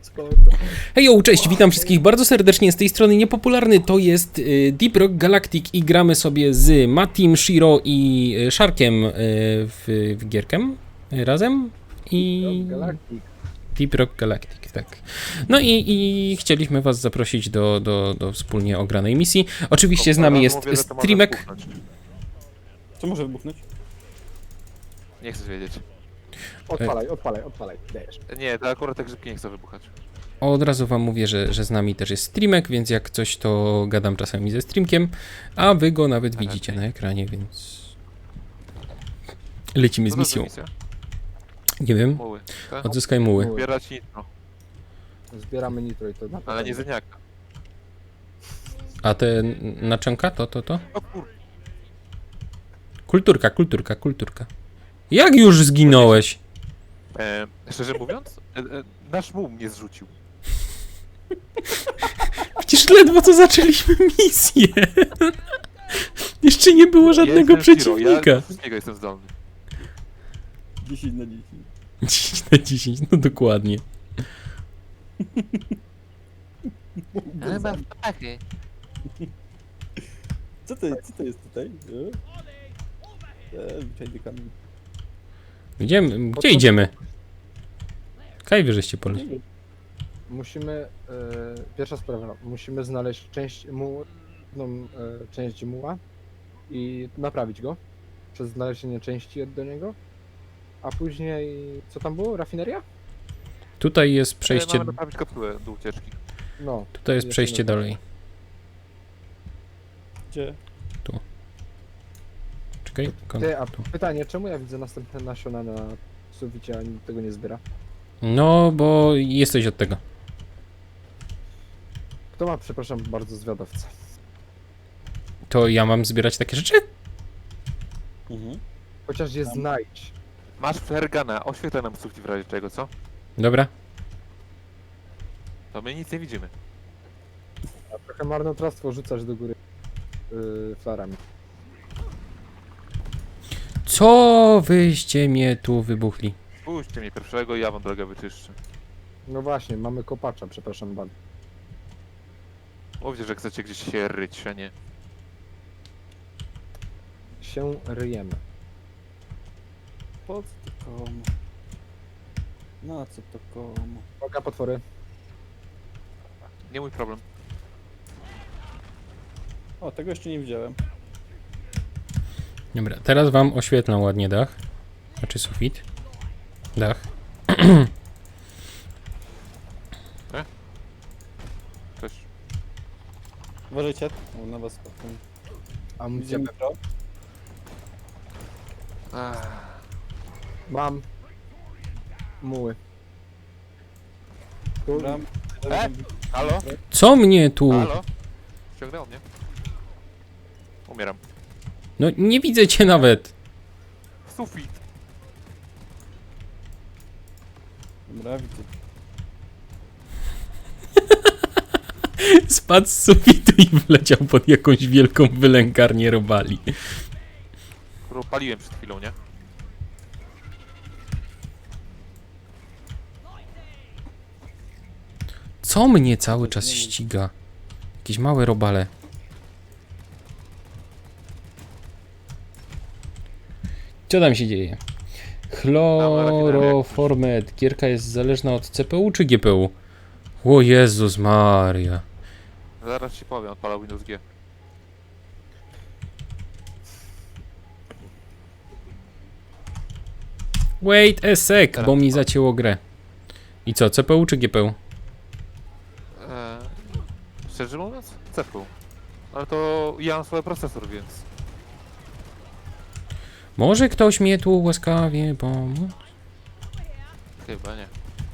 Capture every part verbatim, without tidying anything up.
Spoko. Hejo, cześć, witam wszystkich bardzo serdecznie z tej strony Niepopularny, to jest y, Deep Rock Galactic i gramy sobie z Matim, Shiro i y, Sharkiem y, w, w gierkę y, razem i... Galactic. Deep Rock Galactic, tak. No i, i chcieliśmy was zaprosić do, do, do wspólnie ogranej misji. Oczywiście z nami jest Streamek. Co może wybuchnąć? Nie chcesz wiedzieć. Odpalaj, odpalaj, odpalaj. Dajesz. Nie, to akurat te grzybki nie chcą wybuchać. Od razu wam mówię, że, że z nami też jest Streamek, więc jak coś to gadam czasami ze Streamkiem, a wy go nawet Aha, widzicie okej. na ekranie, więc lecimy z Co to za misją. misja? Nie wiem, Muły. Tak? odzyskaj muły. Muły. Zbierać nitro, Zbieramy nitro i to na ale nie zeniaka. A te naczynka to, to, to? O kur... Kulturka, kulturka, kulturka. Jak już zginąłeś? E, szczerze mówiąc, e, e, nasz muł mnie zrzucił. Przecież ledwo co zaczęliśmy misję. Jeszcze nie było żadnego Ja jestem Shiro, przeciwnika. Ja do wszystkiego jestem zdolny. dziesięć na dziesięć. dziesięć na dziesięć, no dokładnie. Ale mam pachy. Co to, co to jest tutaj? Eee, zwyczajny kamień. Gdzie, gdzie idziemy? Kaj wyżeście pole. Musimy, e, pierwsza sprawa, musimy znaleźć część muł, no, e, część muła i naprawić go przez znalezienie części do niego, a później, co tam było? Rafineria? Tutaj jest Przejście... przejście, Mamy naprawić kopułę do ucieczki. No. tutaj jest jeszcze przejście nie- dalej. Gdzie? Czekaj, kon- Ty, a tu. pytanie, czemu ja widzę następne nasiona na suficie, a nikt tego nie zbiera? No, bo jesteś od tego. Kto ma, przepraszam bardzo, zwiadowcę? To ja mam zbierać takie rzeczy? Mhm. Chociaż je znajdź. Masz flergana, oświetlę nam sufit w razie czego, co? Dobra. To my nic nie widzimy. A trochę marnotrawstwo rzucać do góry yy, flarami. Co wyście mnie tu wybuchli? Puśćcie mnie pierwszego i ja wam drogę wyczyszczę. No właśnie, mamy kopacza, przepraszam bardzo. Mówcie, że chcecie gdzieś się ryć, a nie. Się ryjemy. Po co to komu? Na co to komu? Uwaga, potwory. Nie mój problem. O, tego jeszcze nie widziałem. Dobra, teraz wam oświetlam ładnie dach. Znaczy sufit. Dach. Cześć. Uważajcie, o, na was spotkam. Amunicję Widzimy to. Ach, mam. Muły. Tu, Dobra. E? halo? Co mnie tu? Halo? Ściągnęło mnie. Umieram. No nie widzę cię nawet. Sufit! Dobra, widzę. Spadł z sufitu i wleciał pod jakąś wielką wylęgarnię robali. Którą paliłem przed chwilą, nie? Co mnie cały czas ściga? Jakieś małe robale. Co tam się dzieje? Chloroformet. Gierka jest zależna od C P U czy G P U? O Jezus Maria. Zaraz ci powiem, odpalał Windows G. Wait a sec, Teraz bo mi odpal. zacięło grę. I co, C P U czy G P U? Eee, szczerze mówiąc? C P U. Ale to ja mam swój procesor, więc... Może ktoś mnie tu łaskawie pomóc? Chyba nie.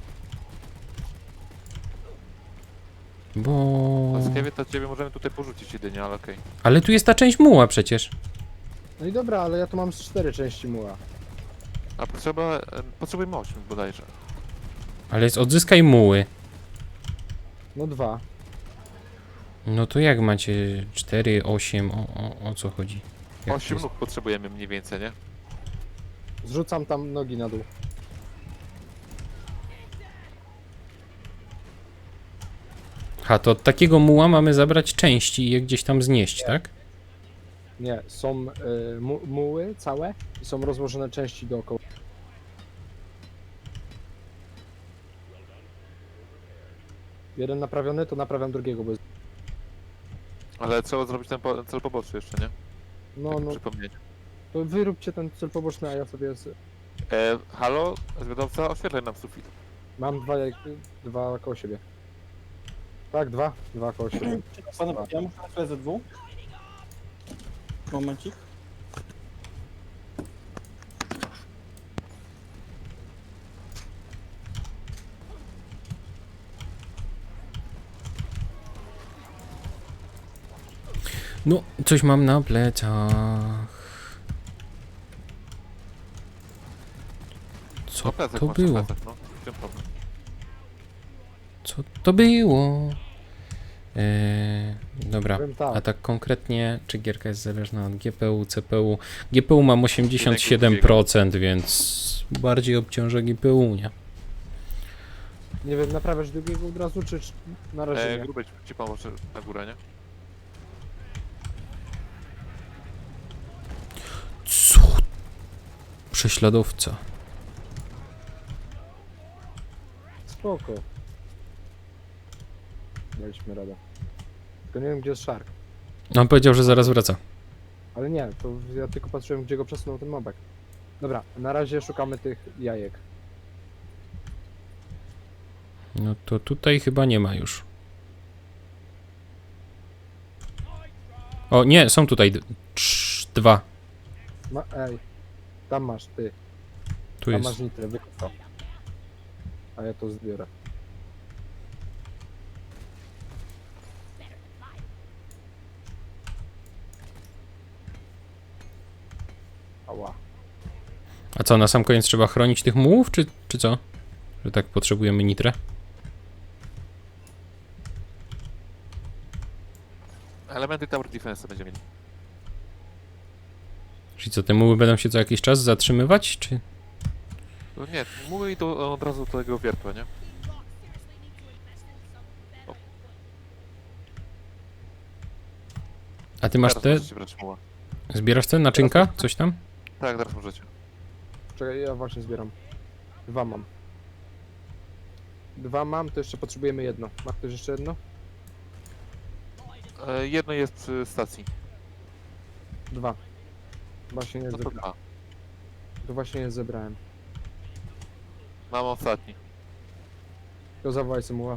Bo... Łaskawie to ciebie możemy tutaj porzucić jedynie, ale okej. Ale tu jest ta część muła przecież. No i dobra, ale ja tu mam z cztery części muła. A potrzeba... E, potrzebujemy osiem bodajże. Ale jest odzyskaj muły. No dwa. No to jak macie cztery, osiem, o, o, o co chodzi? Jak to osiem jest? nóg potrzebujemy mniej więcej, nie? Zrzucam tam nogi na dół. Ha, to od takiego muła mamy zabrać części i je gdzieś tam znieść, tak? Nie, są y, mu, muły całe i są rozłożone części dookoła. Jeden naprawiony, to naprawiam drugiego, bo jest... Ale trzeba zrobić ten po, cel poboczny jeszcze, nie? No, Tak no, przypomnieć. to wyróbcie ten cel poboczny, a ja sobie... z- E, halo, zwiadowca, oświetlaj nam sufit. Mam dwa, jak- dwa koło siebie. Tak, dwa? Dwa koło siebie. Panowie, ja muszę na chwilę ze dwóch. Momencik. No, coś mam na plecach. Co No plecak to masz, na było? plecach, no. W czym problem? Co to było? Eee, dobra, Powiem tak, a tak konkretnie, czy gierka jest zależna od G P U, C P U? G P U mam osiemdziesiąt siedem procent, więc bardziej obciąża G P U, nie? nie wiem, naprawiasz drugiego od razu, czy, czy na razie E, nie? grubej ci pomoże na górę, nie? Co? Prześladowca. Spoko. Daliśmy radę. Tylko nie wiem, gdzie jest Shark. On powiedział, że zaraz wraca. Ale nie, to ja tylko patrzyłem, gdzie go przesunął ten mobek. Dobra, na razie szukamy tych jajek. No to tutaj chyba nie ma już. O, nie, są tutaj d- trz, dwa. Ma, ej, tam masz, ty. Tu Tam jest. masz nitrę, wykup to. A ja to zbiorę. Ała. A co, na sam koniec trzeba chronić tych mułów, czy, czy co? Że tak potrzebujemy nitrę? Elementy Tower Defense będziemy mieli. Czyli co, te muły będą się co jakiś czas zatrzymywać, czy? No nie, mówię i to od razu do tego wiertła, nie? A ty masz Teraz te, możecie brać muła. zbierasz te naczynka? Coś tam? Tak, teraz możecie. Czekaj, ja właśnie zbieram. Dwa mam. Dwa mam, to jeszcze potrzebujemy jedno. Ma ktoś jeszcze jedno? E, jedno jest przy stacji. Dwa. Właśnie nie No to zebrałem. dwa. To właśnie nie zebrałem. Mam ostatni. To zawołaj Symuła.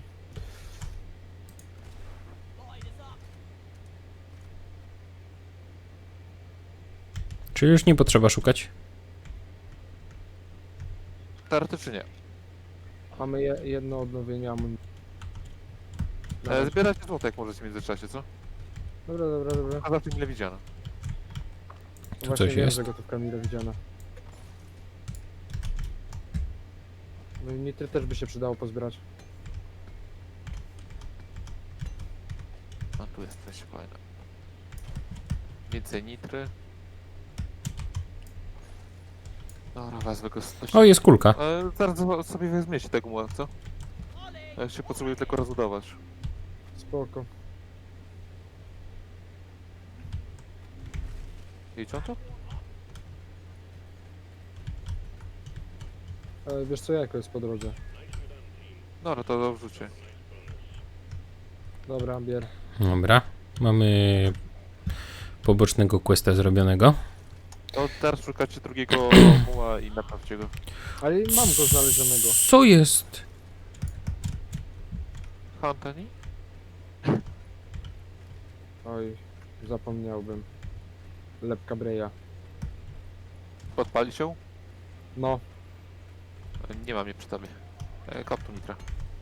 Czy już nie potrzeba szukać? Teoretycznie nie. Mamy je, jedno odnowienie amunicji. E, zbierajcie złoto jak możecie w międzyczasie, co? Dobra, dobra, dobra. A za tym ile widziano. Tu Właśnie coś wiem, jest? że gotówka mile widziana. No i nitry też by się przydało pozbierać. A tu jest coś fajne. Więcej nitry. Dobra, wezmę go z O, jest kulka. E, zaraz zo- sobie weźmiecie tego muła, co? Ja się potrzebuję tylko rozbudować. Spoko. Idź on tu? Ale wiesz co, jako jest po drodze. Dobra, to do wrzucie. Dobra, bier. Dobra, mamy pobocznego questa zrobionego. To teraz szukacie drugiego muła i naprawcie go. Ale mam go znalezionego. Co jest? Huntani? Oj, zapomniałbym. Lepka Breja. Podpali się? No, E, Nie mam jej przy tobie. E, Kop tu nitra.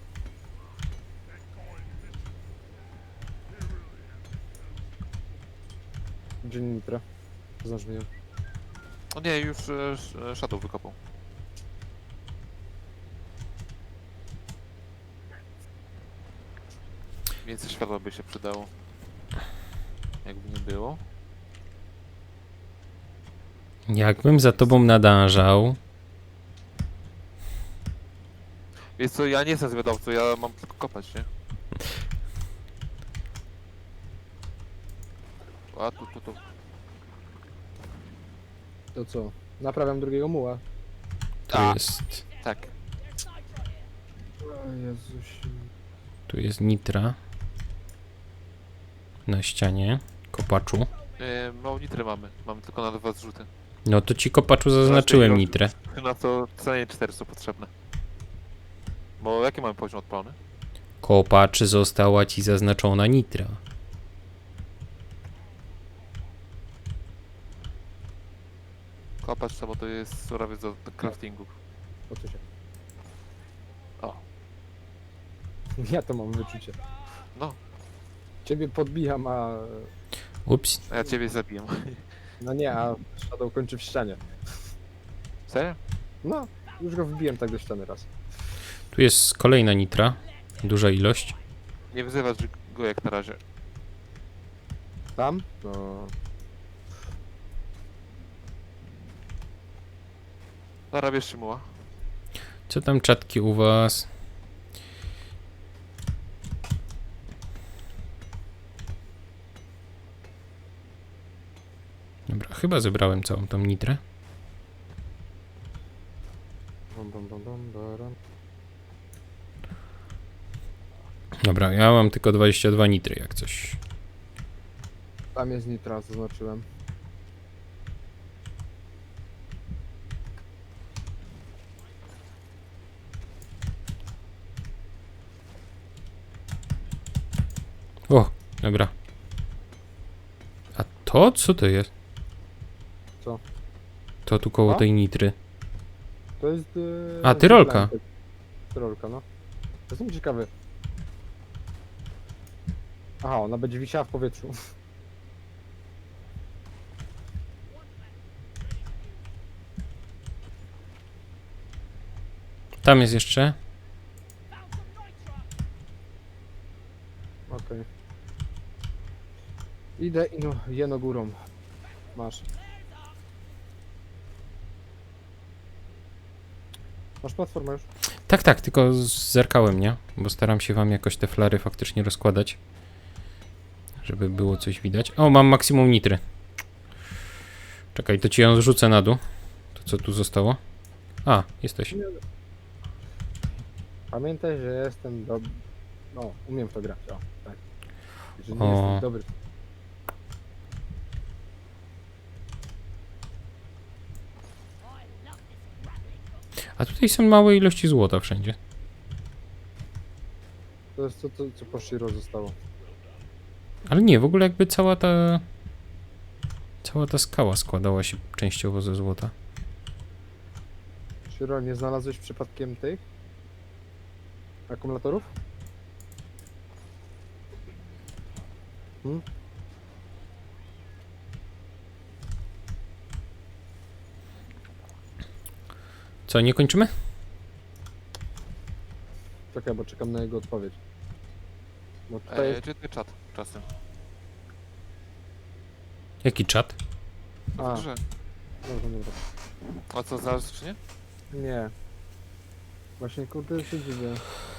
gdzie nitra? Znasz mnie. O nie, już e, sz- e, Shadow wykopał. Więcej światła by się przydało. Jakby nie było. Jakbym za tobą nadążał. Wiesz co, ja nie jestem zwiadowcą, ja mam tylko kopać, nie? A tu, tu, tu. To co? Naprawiam drugiego muła. Tu A. jest, Tak. O Jezus. tu jest nitra. Na ścianie, kopaczu. Yy, mało nitry mamy. Mamy tylko na dwa zrzuty. No to ci kopaczu zaznaczyłem Raczej nitrę. Na to co najmniej cztery są potrzebne. Bo jaki mamy poziom odpalony? Kopacz została ci zaznaczona nitra. Kopacz, bo to jest surowiec do do craftingu. Po co się? O. Ja to mam wyczucie. No, Ciebie podbijam, a... Ups. a ja ciebie zabiję. No nie, a Shadow kończy w ścianie. Serio? No, już go wbiłem tak do ściany raz. Tu jest kolejna nitra. Duża ilość. Nie wyzywasz go jak na razie. Tam? No... Zarabiasz się muła. Co tam czatki u was? Dobra, chyba zebrałem całą tą nitrę. Bum, bum, bum, bum, baram. Dobra, ja mam tylko dwadzieścia dwa nitry, jak coś. Tam jest nitra, zaznaczyłem. O, dobra. A to co to jest? Co? To tu koło A? tej nitry. To jest... Yy, A, tyrolka. Tyrolka, no. Jestem ciekawy. Aha, ona będzie wisiała w powietrzu. Tam jest jeszcze. Okej. Idę i no, jeno górą. Masz. Masz platformę już? Tak, tak, tylko zerkałem, nie? Bo staram się wam jakoś te flary faktycznie rozkładać. Żeby było coś widać. O, mam maksimum nitry. Czekaj, to ci ją zrzucę na dół. To co tu zostało? A, jesteś. Pamiętaj, że jestem dobry. No, umiem w to grać, o, tak. Że nie O. jestem dobry. A tutaj są małe ilości złota wszędzie. To jest to, to co po Shiro zostało. Ale nie, w ogóle jakby cała ta... Cała ta skała składała się częściowo ze złota. Shiro, nie znalazłeś przypadkiem tych akumulatorów? Hmm? Co, nie kończymy? Czekaj, bo czekam na jego odpowiedź. Bo tutaj Eee, jest... czy ty czat czasem? Jaki czat? A, Dobrze. dobra, dobra. A co, znalazłeś czy nie? Nie. Właśnie kurde się dziwię.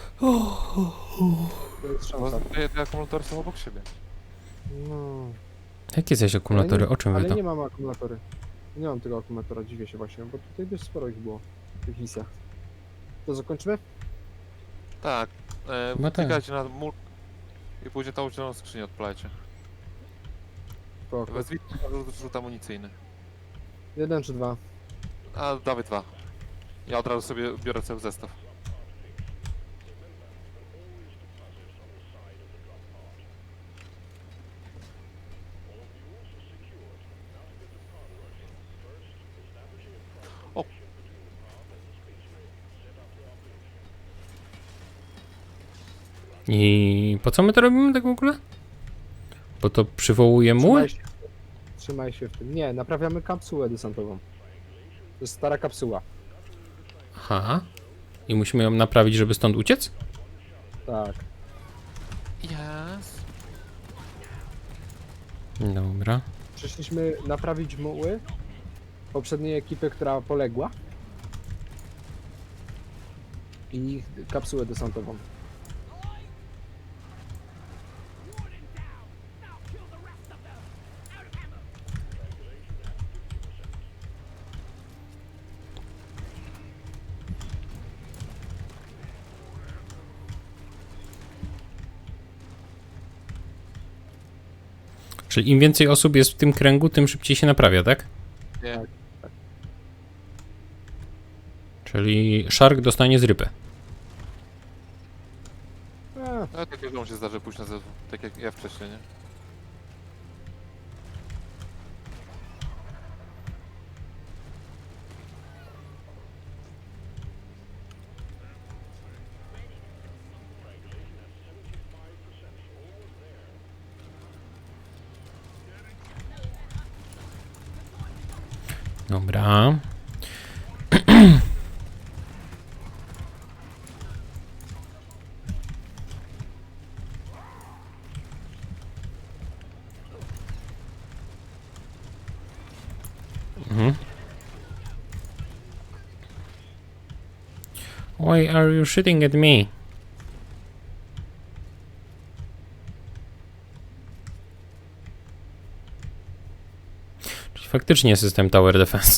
To jest Bo szansa. te, te akumulatory są obok siebie. No. Jakie zaś akumulatory? Ale nie- O czym wy Ale to? nie mam akumulatory. Nie mam tego akumulatora, dziwię się właśnie, bo tutaj dość sporo ich było w tych misjach. To zakończymy? Tak. E, Chyba tak. klikajcie na mur i później tą zieloną skrzynię odpalajcie. Spoko. Wezwijcie rzut amunicyjny. Jeden czy dwa? A dawaj dwa. Ja od razu sobie biorę cały zestaw. I po co my to robimy tak w ogóle? Bo to przywołuje muły? Trzymaj się, trzymaj się w tym. Nie, naprawiamy kapsułę desantową. To jest stara kapsuła. Aha. I musimy ją naprawić, żeby stąd uciec? Tak. Yes. Dobra. Przyszliśmy naprawić muły poprzedniej ekipy, która poległa. I kapsułę desantową. Czyli im więcej osób jest w tym kręgu, tym szybciej się naprawia, tak? Nie. Czyli Shark dostanie zrypę. A, Ale tak każdemu się zdarzy pójść na zewnątrz, tak jak ja wcześniej, nie? Dobra. Mhm. Why are you shooting at me? Czyli faktycznie system Tower Defense.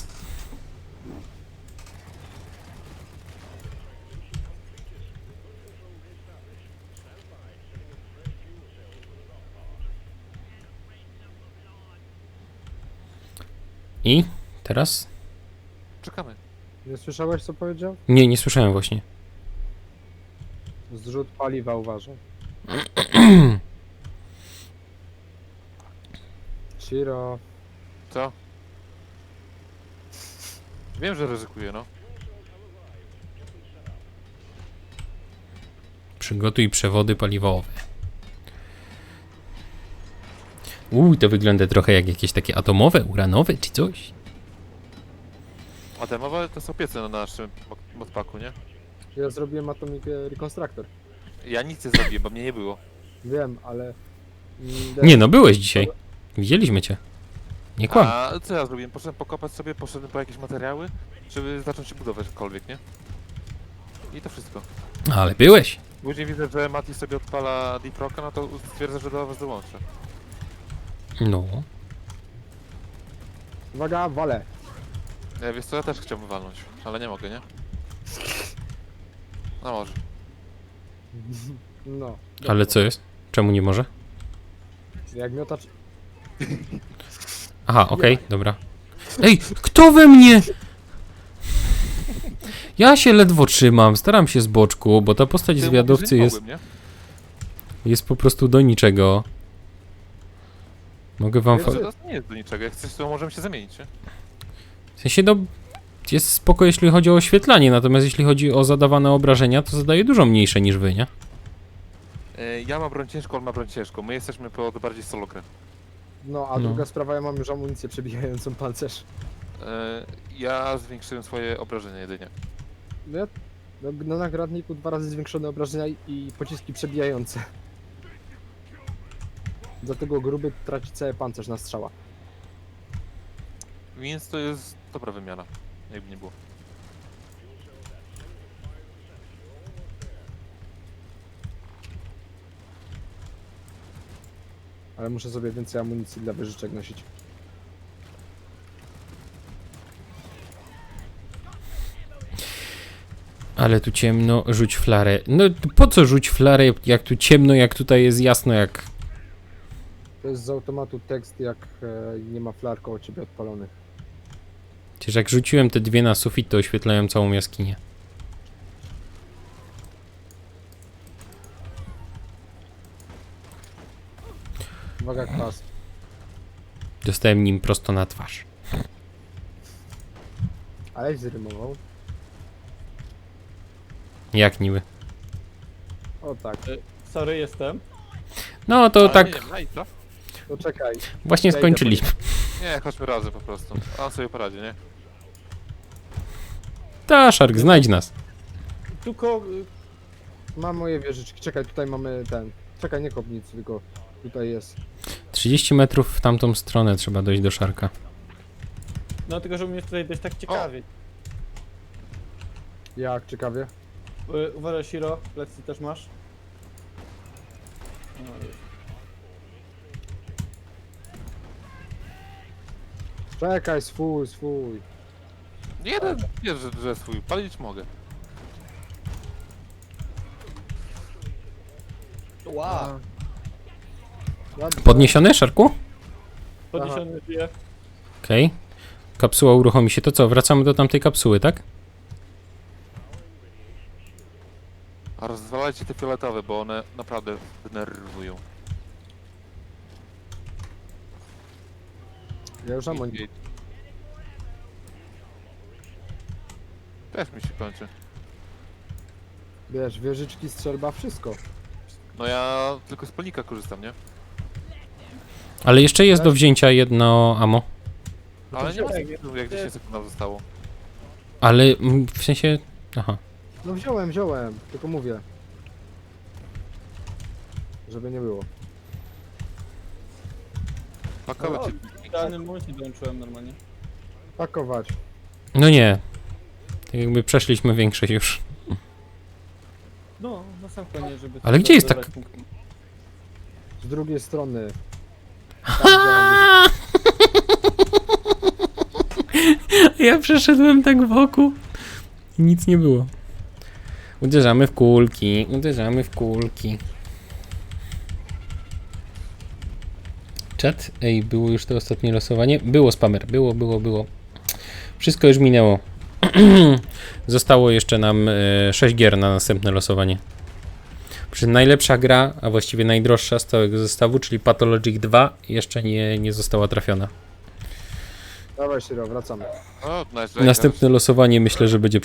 I teraz? Czekamy. nie słyszałeś co powiedział? Nie, nie słyszałem właśnie. Zrzut paliwa uważaj. Shiro. Co? Wiem, że ryzykuję, no. Przygotuj przewody paliwowe. Uuu, to wygląda trochę jak jakieś takie atomowe, uranowe czy coś. A te mowa to są piece na naszym mod- modpaku, nie? Ja zrobiłem Atomic Reconstructor. Ja nic nie zrobiłem, bo mnie nie było. Wiem, ale... mm, Nie no, byłeś dzisiaj. Widzieliśmy cię. Nie kłam. A co ja zrobiłem? Poszedłem pokopać sobie, poszedłem po jakieś materiały, żeby zacząć budować cokolwiek, nie? I to wszystko. Ale byłeś. Później widzę, że Mati sobie odpala Deep Rocka, no to stwierdzę, że do was dołączę. No. Uwaga, wale. Ja wiesz co, ja też chciałbym walnąć, ale nie mogę, nie? No może. No. Ale co jest? Czemu nie może? Jak miotacz... Aha, okej, dobra. Ej, kto we mnie? Ja się ledwo trzymam, staram się z boczku, bo ta postać Ty zwiadowcy mówisz, że nie jest, mogłem, jest po prostu do niczego. Mogę wam... nie? Fa- To nie jest do niczego, jak chcesz, to możemy się zamienić, nie? w sensie, no... Jest spoko, jeśli chodzi o oświetlanie, natomiast jeśli chodzi o zadawane obrażenia, to zadaje dużo mniejsze niż wy, nie? E, Ja mam broń ciężką, on ma broń ciężką. My jesteśmy pod bardziej solo grę. No, a No. druga sprawa, ja mam już amunicję przebijającą pancerz. E, Ja zwiększyłem swoje obrażenia jedynie. No, ja, no, na nagradniku dwa razy zwiększone obrażenia i- i pociski przebijające. Dlatego gruby traci cały pancerz na strzała. Więc to jest dobra wymiana, jakby nie było. Ale muszę sobie więcej amunicji dla wyżyczek nosić. Ale tu ciemno, rzuć flarę. No po co rzuć flarę, jak tu ciemno, jak tutaj jest jasno, jak... To jest z automatu tekst, jak e, nie ma flar koło ciebie odpalonych. Przecież jak rzuciłem te dwie na sufit, to oświetlają całą jaskinię. Uwaga, kwas. Dostałem nim prosto na twarz. Aleś zrymował. Jak niby. O tak. Sorry, jestem. No to Ale tak Nie, wiem, no i co? To czekaj. właśnie ja idę skończyliśmy. Nie, chodźmy razem po prostu. A on sobie poradzi, nie? Ta, Shark, znajdź nas. Tylko... Mam moje wieżyczki. Czekaj, tutaj mamy ten. Czekaj, nie kop nic, tylko tutaj jest. trzydzieści metrów w tamtą stronę trzeba dojść do Sharka. No tylko, że u mnie tutaj dość tak ciekawie. Jak ciekawie. Y, Uważaj, Shiro, plecy też masz. No, Czekaj, swój, swój. Jeden, wiesz, że, że swój. Palić mogę. Wow. Ja- Podniesiony, Sharku? Podniesiony żyje. Okej. Kapsuła uruchomi się. To co, wracamy do tamtej kapsuły, tak? A rozwalajcie te fioletowe, bo one naprawdę denerwują. Ja już mam I- Też mi się kończy. wiesz, wieżyczki, strzelba, wszystko. No ja tylko z polnika korzystam, nie? Ale jeszcze jest do wzięcia jedno ammo. No Ale to nie ma wziąłem, sensu, jak dziesięć sekund nam zostało. Ale mm, w sensie... Aha. No wziąłem, wziąłem, tylko mówię. Żeby nie było. Pakować O, się. w idealnym momencie dołączyłem normalnie. Pakować. No nie. Tak jakby przeszliśmy większość już. No, na sam koniec, żeby... Ale gdzie jest tak- zabrać punkt. Z drugiej strony. Tam, gdzie mam Ja przeszedłem tak wokół. I nic nie było. Uderzamy w kulki, uderzamy w kulki. Czat? Ej, było już to ostatnie losowanie? Było spamer, było, było, było. Wszystko już minęło. Zostało jeszcze nam e, sześć gier na następne losowanie. Przy najlepsza gra, a właściwie najdroższa z całego zestawu, czyli Pathologic dwa, jeszcze nie, nie została trafiona. Dawaj, Shiro, wracamy. O, nice, Następne losowanie myślę, że będzie